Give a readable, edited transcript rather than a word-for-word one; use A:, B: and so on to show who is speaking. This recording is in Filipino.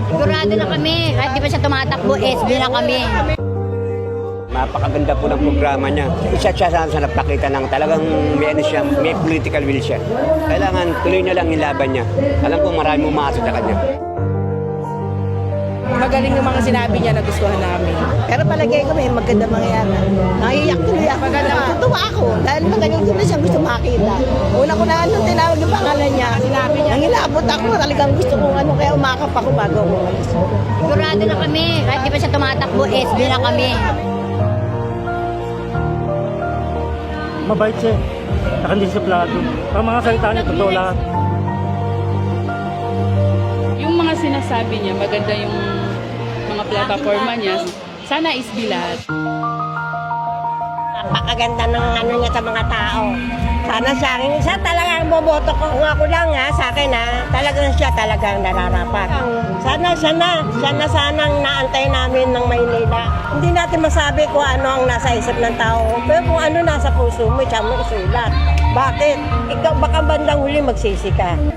A: Sigurado na kami. Kahit di pa siya tumatakbo, SB na kami.
B: Napakaganda po ng programa niya. Isa siya sa nagpakita ng talagang may, ano siya, may political will siya. Kailangan tuloy na lang yung laban niya. Alam ko marami umaasa sa kanya.
C: Magaling yung mga sinabi niya na gustuhan namin.
D: Pero palagay ko may maganda mangyayari. Naiiyak tuloy ako. Natutuwa ako. Dahil matagal ko na siyang gusto makita. Una ko na nung tinawag yung pangalan niya. Sinabi niya. Nang ilabot ako, talagang gusto kong ano. Kaya umakap ako bago ako umalis.
A: Sigurado na kami. Kahit di pa siya tumatakbo, SB na kami.
E: Mabait siya. Nakandisiplado. Ang mga salita niya, totoo lahat.
F: Yung mga sinasabi niya, maganda yung mga plataforma niya. Sana SB lahat.
D: Napakaganda ng ano niya sa mga tao. Sana sa akin, isa talagang boboto ko. Kung ako lang sa akin talagang siya talagang nararapat. Sana sanang naantay namin ng Maynila. Hindi natin masabi kung ano ang nasa isip ng tao. Pero kung ano nasa puso mo, siya mo isulat. Bakit? Ikaw baka bandang huli magsisi ka.